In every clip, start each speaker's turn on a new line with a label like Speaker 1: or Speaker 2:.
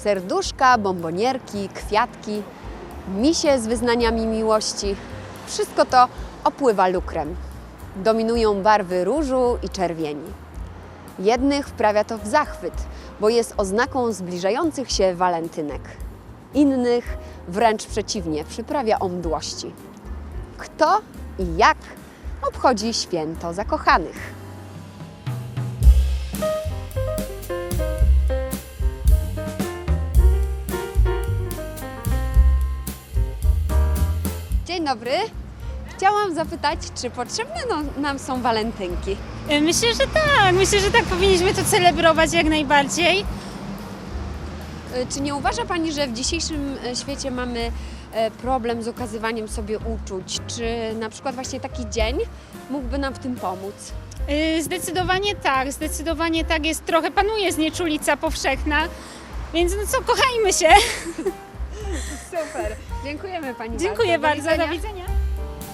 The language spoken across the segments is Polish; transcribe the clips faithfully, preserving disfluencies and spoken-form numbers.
Speaker 1: Serduszka, bombonierki, kwiatki, misie z wyznaniami miłości. Wszystko to opływa lukrem. Dominują barwy różu i czerwieni. Jednych wprawia to w zachwyt, bo jest oznaką zbliżających się walentynek. Innych wręcz przeciwnie, przyprawia o mdłości. Kto i jak obchodzi święto zakochanych? Dzień dobry. Chciałam zapytać, czy potrzebne no- nam są walentynki?
Speaker 2: Myślę, że tak. Myślę, że tak powinniśmy to celebrować jak najbardziej.
Speaker 1: Y, Czy nie uważa Pani, że w dzisiejszym e, świecie mamy e, problem z okazywaniem sobie uczuć? Czy na przykład właśnie taki dzień mógłby nam w tym pomóc?
Speaker 2: Yy, Zdecydowanie tak, zdecydowanie tak jest. Trochę panuje znieczulica powszechna, więc no co, kochajmy się.
Speaker 1: Super. Dziękujemy Pani
Speaker 2: Dziękuję
Speaker 1: bardzo.
Speaker 2: bardzo,
Speaker 1: Do
Speaker 2: do
Speaker 1: widzenia.
Speaker 2: widzenia.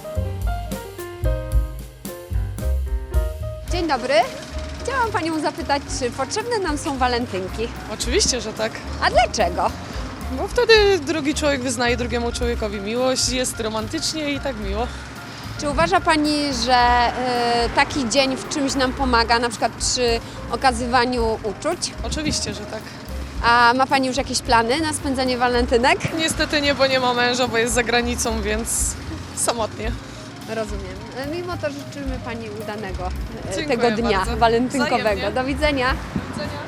Speaker 1: Dzień dobry. Chciałam Panią zapytać, czy potrzebne nam są walentynki?
Speaker 3: Oczywiście, że tak.
Speaker 1: A dlaczego?
Speaker 3: Bo wtedy drugi człowiek wyznaje drugiemu człowiekowi miłość, jest romantycznie i tak miło.
Speaker 1: Czy uważa Pani, że e, taki dzień w czymś nam pomaga, na przykład przy okazywaniu uczuć?
Speaker 3: Oczywiście, że tak.
Speaker 1: A ma Pani już jakieś plany na spędzanie walentynek?
Speaker 3: Niestety nie, bo nie ma męża, bo jest za granicą, więc samotnie.
Speaker 1: Rozumiem. E, Mimo to życzymy Pani udanego e,
Speaker 3: Dziękuję
Speaker 1: tego dnia
Speaker 3: bardzo.
Speaker 1: walentynkowego.
Speaker 3: Wzajemnie.
Speaker 1: Do widzenia.
Speaker 3: Do widzenia.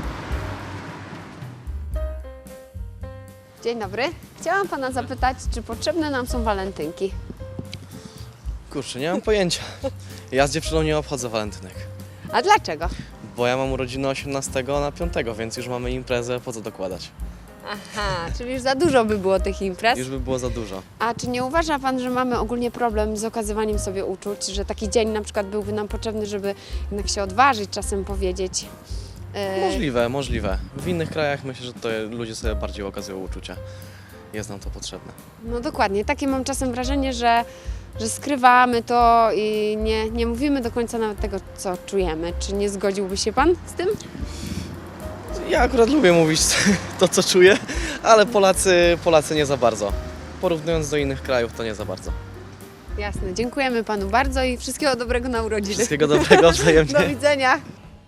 Speaker 1: Dzień dobry. Chciałam Pana zapytać, czy potrzebne nam są walentynki?
Speaker 4: Kurczę, nie mam pojęcia. Ja z dziewczyną nie obchodzę walentynek,
Speaker 1: A dlaczego?
Speaker 4: bo ja mam urodziny osiemnastego na piątego, więc już mamy imprezę, po co dokładać?
Speaker 1: Aha, czyli już za dużo by było tych imprez.
Speaker 4: Już by było za dużo.
Speaker 1: A czy nie uważa Pan, że mamy ogólnie problem z okazywaniem sobie uczuć, że taki dzień na przykład byłby nam potrzebny, żeby jednak się odważyć, czasem powiedzieć? e,
Speaker 4: Możliwe, możliwe. W innych krajach myślę, że to ludzie sobie bardziej okazują uczucia. Jest nam to potrzebne.
Speaker 1: No dokładnie, takie mam czasem wrażenie, że, że skrywamy to i nie, nie mówimy do końca nawet tego, co czujemy. Czy nie zgodziłby się Pan z tym?
Speaker 4: Ja akurat lubię mówić to, co czuję, ale Polacy, Polacy nie za bardzo. Porównując do innych krajów, to nie za bardzo.
Speaker 1: Jasne, dziękujemy Panu bardzo i wszystkiego dobrego na urodziny.
Speaker 4: Wszystkiego dobrego wzajemnie.
Speaker 1: Do widzenia.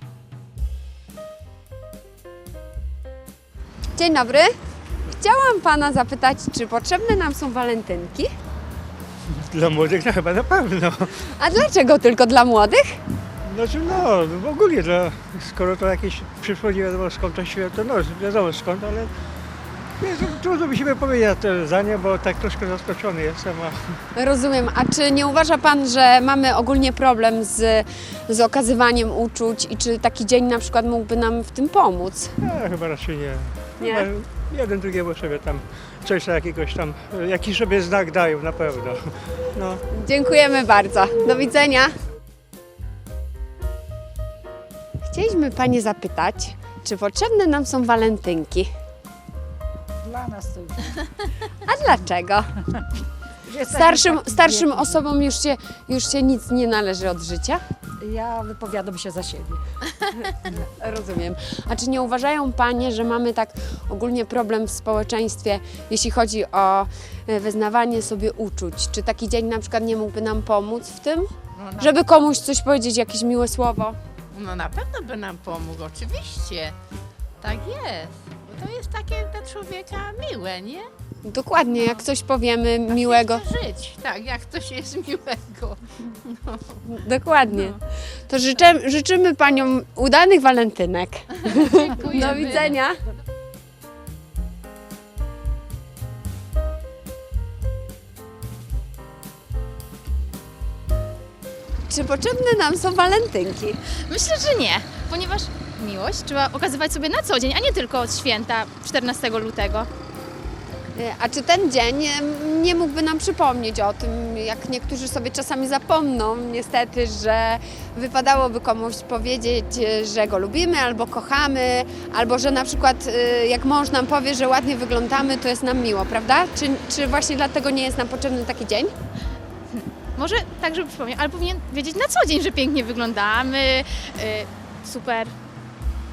Speaker 1: Dzień dobry. Chciałam Pana zapytać, czy potrzebne nam są walentynki?
Speaker 5: Dla młodych no chyba na pewno.
Speaker 1: A dlaczego tylko dla młodych?
Speaker 5: Znaczy no, w ogóle dla, skoro to jakieś przyszło, nie wiadomo skąd to święto, no wiadomo skąd, ale nie, to trudno mi się powiedzieć te zdanie, bo tak troszkę zaskoczony jestem. A
Speaker 1: Rozumiem. A czy nie uważa Pan, że mamy ogólnie problem z, z okazywaniem uczuć i czy taki dzień na przykład mógłby nam w tym pomóc?
Speaker 5: ja chyba raczej nie.
Speaker 1: Nie?
Speaker 5: Chyba jeden drugiemu sobie tam coś jakiegoś tam, jakiś sobie znak dają na pewno. No.
Speaker 1: Dziękujemy bardzo. Do widzenia. Chcieliśmy Panie zapytać, czy potrzebne nam są walentynki?
Speaker 6: Dla nas to już.
Speaker 1: A dlaczego?
Speaker 6: Jesteśmy
Speaker 1: Starszym,
Speaker 6: tak
Speaker 1: starszym
Speaker 6: biedni.
Speaker 1: osobom już się, już się nic nie należy od życia?
Speaker 6: Ja wypowiadam się za siebie.
Speaker 1: Rozumiem. A czy nie uważają Panie, że mamy tak ogólnie problem w społeczeństwie, jeśli chodzi o e, wyznawanie sobie uczuć? Czy taki dzień na przykład nie mógłby nam pomóc w tym?
Speaker 7: No na,
Speaker 1: Żeby komuś coś powiedzieć, jakieś miłe słowo?
Speaker 7: no na pewno by nam pomógł, oczywiście. Tak jest. Bo to jest takie dla człowieka miłe, nie?
Speaker 1: Dokładnie, jak coś powiemy miłego.
Speaker 7: Chce żyć, tak, jak coś jest miłego.
Speaker 1: Dokładnie. To życzę, życzymy Paniom udanych walentynek.
Speaker 7: Dziękujemy.
Speaker 1: Do widzenia. Czy potrzebne nam są walentynki?
Speaker 8: Myślę, że nie, ponieważ miłość trzeba okazywać sobie na co dzień, a nie tylko od święta czternastego lutego.
Speaker 1: E, A czy ten dzień em, nie mógłby nam przypomnieć o tym, jak niektórzy sobie czasami zapomną, niestety, że wypadałoby komuś powiedzieć, e, że go lubimy albo kochamy, albo że na przykład e, jak mąż nam powie, że ładnie wyglądamy, to jest nam miło, prawda? Czy, czy właśnie dlatego nie jest nam potrzebny taki dzień?
Speaker 8: Może tak, żeby przypomnieć, ale powinien wiedzieć na co dzień, że pięknie wyglądamy, y, super.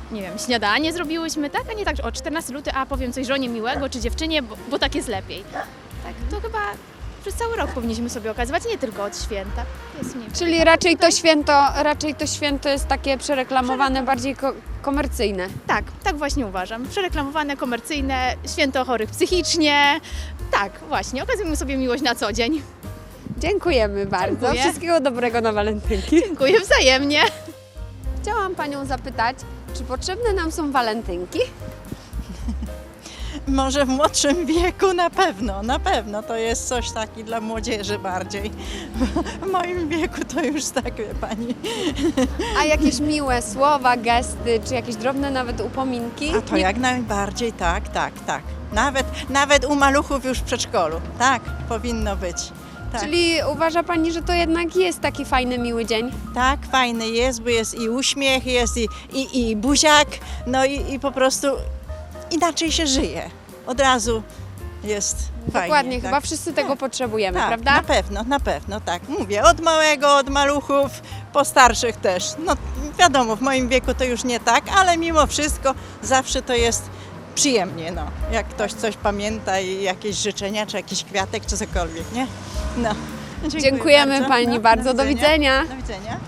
Speaker 8: nie wiem, śniadanie zrobiłyśmy, tak? A nie tak, że o czternastego lutego, a powiem coś żonie miłego czy dziewczynie, bo, bo tak jest lepiej. Tak, to chyba przez cały rok powinniśmy sobie okazywać, nie tylko od święta. To jest mniej.
Speaker 1: Czyli raczej to święto, raczej to święto jest takie przereklamowane, bardziej ko- komercyjne.
Speaker 8: Tak, tak właśnie uważam. Przereklamowane, komercyjne, święto chorych psychicznie. Tak, właśnie, okazujemy sobie miłość na co dzień.
Speaker 1: Dziękujemy bardzo.
Speaker 8: Dziękuję.
Speaker 1: Wszystkiego dobrego na walentynki.
Speaker 8: Dziękuję wzajemnie.
Speaker 1: Chciałam Panią zapytać, czy potrzebne nam są walentynki?
Speaker 9: Może w młodszym wieku na pewno, na pewno to jest coś taki dla młodzieży bardziej. W moim wieku to już tak, wie pani.
Speaker 1: A jakieś miłe słowa, gesty, czy jakieś drobne nawet upominki?
Speaker 9: A to
Speaker 1: Nie-
Speaker 9: jak najbardziej, tak, tak, tak. Nawet, nawet u maluchów już w przedszkolu, tak, powinno być. Tak.
Speaker 1: Czyli uważa Pani, że to jednak jest taki fajny, miły dzień?
Speaker 9: Tak, fajny jest, bo jest i uśmiech, jest i, i, i buziak, no i, i po prostu inaczej się żyje. Od razu jest fajnie.
Speaker 1: Dokładnie,
Speaker 9: tak.
Speaker 1: chyba wszyscy tego potrzebujemy,
Speaker 9: Tak,
Speaker 1: prawda?
Speaker 9: na pewno, na pewno, tak. Mówię, od małego, od maluchów, po starszych też. No wiadomo, w moim wieku to już nie tak, ale mimo wszystko zawsze to jest przyjemnie, no. Jak ktoś coś pamięta i jakieś życzenia, czy jakiś kwiatek, czy cokolwiek, nie? No. Dziękuję
Speaker 1: Dziękujemy
Speaker 9: bardzo.
Speaker 1: Pani
Speaker 9: No,
Speaker 1: bardzo. Do widzenia.
Speaker 9: Do widzenia.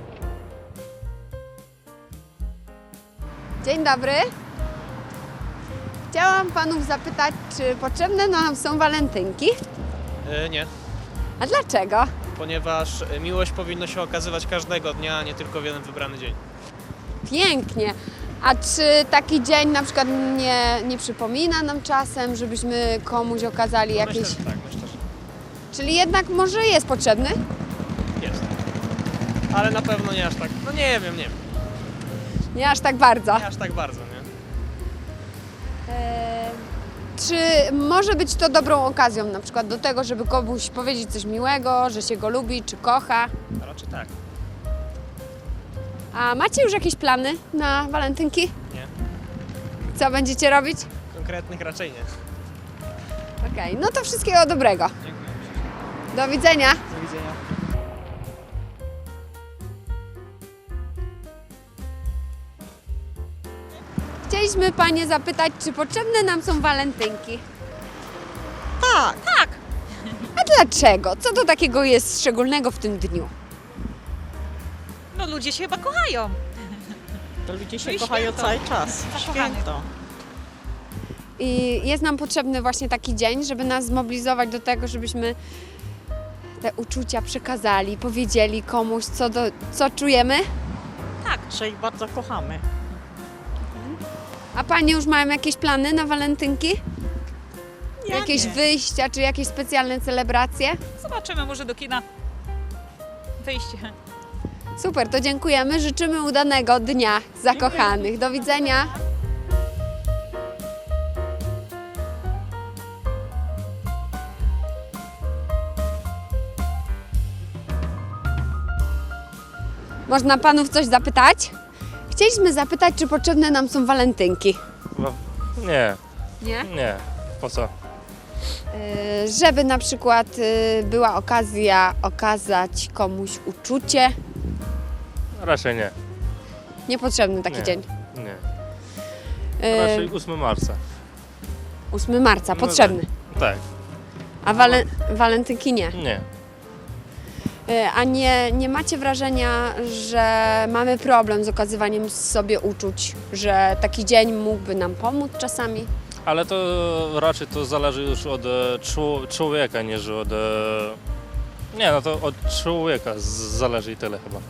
Speaker 1: Dzień dobry. Chciałam Panów zapytać, czy potrzebne nam są walentynki?
Speaker 10: E, nie,
Speaker 1: A dlaczego?
Speaker 10: ponieważ miłość powinno się okazywać każdego dnia, a nie tylko w jeden wybrany dzień.
Speaker 1: Pięknie. A czy taki dzień na przykład nie, nie przypomina nam czasem, żebyśmy komuś okazali jakieś...
Speaker 10: Myślę, że tak, myślę, że
Speaker 1: Czyli jednak może jest potrzebny?
Speaker 10: jest. Ale na pewno nie aż tak, no nie wiem, nie wiem,
Speaker 1: Nie aż tak bardzo.
Speaker 10: nie aż tak bardzo, nie?
Speaker 1: Eee, czy może być to dobrą okazją na przykład do tego, żeby komuś powiedzieć coś miłego, że się go lubi, czy kocha?
Speaker 10: A raczej tak,
Speaker 1: A macie już jakieś plany na walentynki?
Speaker 10: nie?
Speaker 1: Co będziecie robić?
Speaker 10: Konkretnych raczej nie.
Speaker 1: Okej, no to wszystkiego dobrego.
Speaker 10: Dziękuję.
Speaker 1: Do widzenia.
Speaker 10: Do widzenia.
Speaker 1: Chcieliśmy Panie zapytać, czy potrzebne nam są walentynki?
Speaker 9: Tak.
Speaker 1: A dlaczego? Co to takiego jest szczególnego w tym dniu?
Speaker 11: No ludzie się chyba kochają.
Speaker 9: To ludzie się
Speaker 11: No i
Speaker 9: kochają
Speaker 11: święto.
Speaker 9: cały czas.
Speaker 11: Zakochany.
Speaker 9: Święto.
Speaker 1: I jest nam potrzebny właśnie taki dzień, żeby nas zmobilizować do tego, żebyśmy te uczucia przekazali, powiedzieli komuś, co, do, co czujemy.
Speaker 9: Że ich bardzo kochamy.
Speaker 1: A Panie już mają jakieś plany na walentynki?
Speaker 9: Ja
Speaker 1: jakieś
Speaker 9: nie.
Speaker 1: wyjścia, czy jakieś specjalne celebracje?
Speaker 11: Zobaczymy, może do kina. Wyjście.
Speaker 1: Super, to dziękujemy. Życzymy udanego dnia zakochanych. Do widzenia. Można Panów coś zapytać? Chcieliśmy zapytać, czy potrzebne nam są walentynki.
Speaker 12: Nie,
Speaker 1: Nie?
Speaker 12: nie. Po co?
Speaker 1: Yy, żeby na przykład yy, była okazja okazać komuś uczucie.
Speaker 12: Raczej nie.
Speaker 1: Niepotrzebny taki
Speaker 12: Nie.
Speaker 1: dzień.
Speaker 12: Nie.
Speaker 1: Yy,
Speaker 12: Raczej ósmego marca.
Speaker 1: ósmego marca,
Speaker 12: No
Speaker 1: potrzebny.
Speaker 12: Tak,
Speaker 1: A wale, walentynki nie.
Speaker 12: nie.
Speaker 1: Yy, a nie, nie macie wrażenia, że mamy problem z okazywaniem sobie uczuć, że taki dzień mógłby nam pomóc czasami?
Speaker 12: Ale to raczej to zależy już od e, czu- człowieka, niż od... E, nie, no to od człowieka z- zależy i tyle chyba.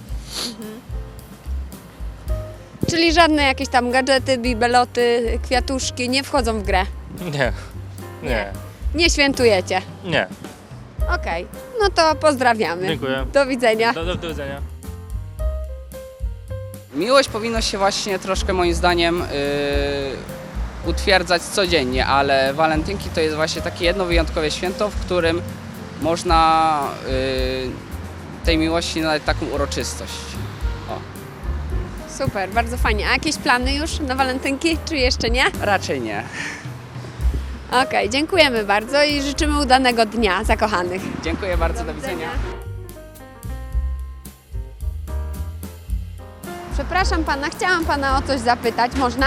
Speaker 1: Czyli żadne jakieś tam gadżety, bibeloty, kwiatuszki nie wchodzą w grę.
Speaker 12: Nie, nie,
Speaker 1: Nie świętujecie.
Speaker 12: nie.
Speaker 1: Okej, no to pozdrawiamy.
Speaker 12: Dziękuję.
Speaker 1: Do widzenia.
Speaker 12: Do, do, do widzenia.
Speaker 13: Miłość powinno się właśnie troszkę moim zdaniem yy, utwierdzać codziennie, ale walentynki to jest właśnie takie jedno wyjątkowe święto, w którym można yy, tej miłości nadać taką uroczystość. O,
Speaker 1: Super, bardzo fajnie. A jakieś plany już na walentynki, czy jeszcze nie?
Speaker 13: raczej nie.
Speaker 1: Okej, dziękujemy bardzo i życzymy udanego dnia zakochanych.
Speaker 13: Dziękuję bardzo, do widzenia.
Speaker 1: Przepraszam pana, chciałam pana o coś zapytać, można?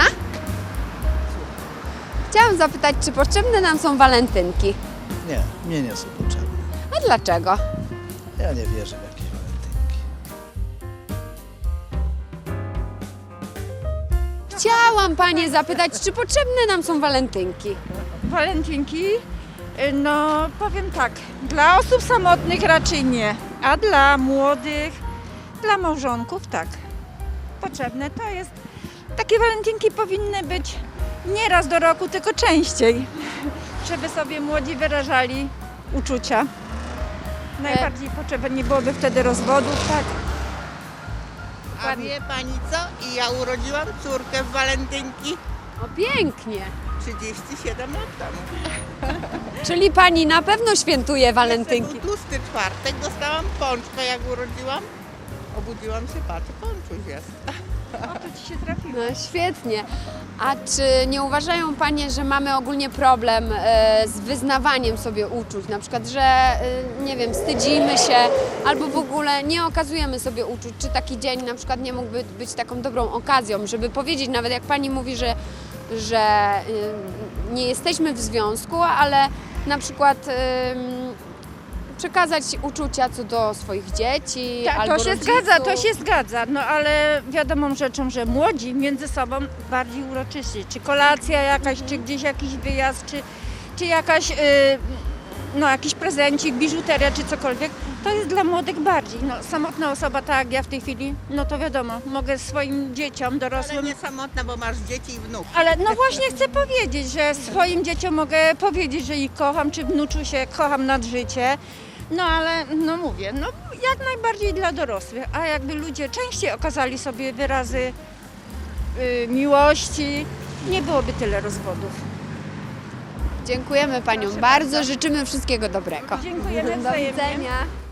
Speaker 1: Chciałam zapytać, czy potrzebne nam są walentynki?
Speaker 14: Nie, mnie nie są potrzebne.
Speaker 1: A dlaczego?
Speaker 14: Ja nie wierzę w jakieś walentynki.
Speaker 1: Chciałam panie zapytać, czy potrzebne nam są walentynki?
Speaker 6: Walentynki? No powiem tak, dla osób samotnych raczej nie, a dla młodych, dla małżonków tak. Potrzebne to jest, takie walentynki powinny być nie raz do roku, tylko częściej, żeby sobie młodzi wyrażali uczucia. Najbardziej potrzebne nie byłoby wtedy rozwodów, tak.
Speaker 7: A wie pani co? I ja urodziłam córkę w walentynki
Speaker 1: O, pięknie.
Speaker 7: trzydzieści siedem lat temu.
Speaker 1: Czyli pani na pewno świętuje walentynki.
Speaker 7: Był tłusty czwartek, dostałam pączka jak urodziłam. Obudziłam się, patrzę, pączuś jest.
Speaker 6: O, to ci się trafiło.
Speaker 1: No świetnie. A czy nie uważają panie, że mamy ogólnie problem e, z wyznawaniem sobie uczuć? Na przykład, że e, nie wiem, wstydzimy się albo w ogóle nie okazujemy sobie uczuć. Czy taki dzień na przykład nie mógłby być taką dobrą okazją, żeby powiedzieć, nawet jak pani mówi, że, że e, nie jesteśmy w związku, ale na przykład e, przekazać uczucia co do swoich dzieci
Speaker 6: Tak,
Speaker 1: albo
Speaker 6: to się
Speaker 1: rodziców.
Speaker 6: zgadza, to się zgadza, no ale wiadomą rzeczą, że młodzi między sobą bardziej uroczyści, czy kolacja jakaś, czy gdzieś jakiś wyjazd, czy, czy jakaś, yy, no jakiś prezencik, biżuteria, czy cokolwiek, to jest dla młodych bardziej. No, samotna osoba, tak jak ja w tej chwili, no to wiadomo, mogę swoim dzieciom, dorosłym...
Speaker 7: Ale nie samotna, bo masz dzieci i wnuk.
Speaker 6: Ale no właśnie chcę powiedzieć, że swoim dzieciom mogę powiedzieć, że ich kocham, czy wnuczu się kocham nad życie. No ale, no mówię, no jak najbardziej dla dorosłych, a jakby ludzie częściej okazali sobie wyrazy y, miłości, nie byłoby tyle rozwodów.
Speaker 1: Dziękujemy paniom bardzo, życzymy wszystkiego dobrego.
Speaker 6: Dziękujemy
Speaker 1: Do
Speaker 6: wzajemnie.
Speaker 1: widzenia.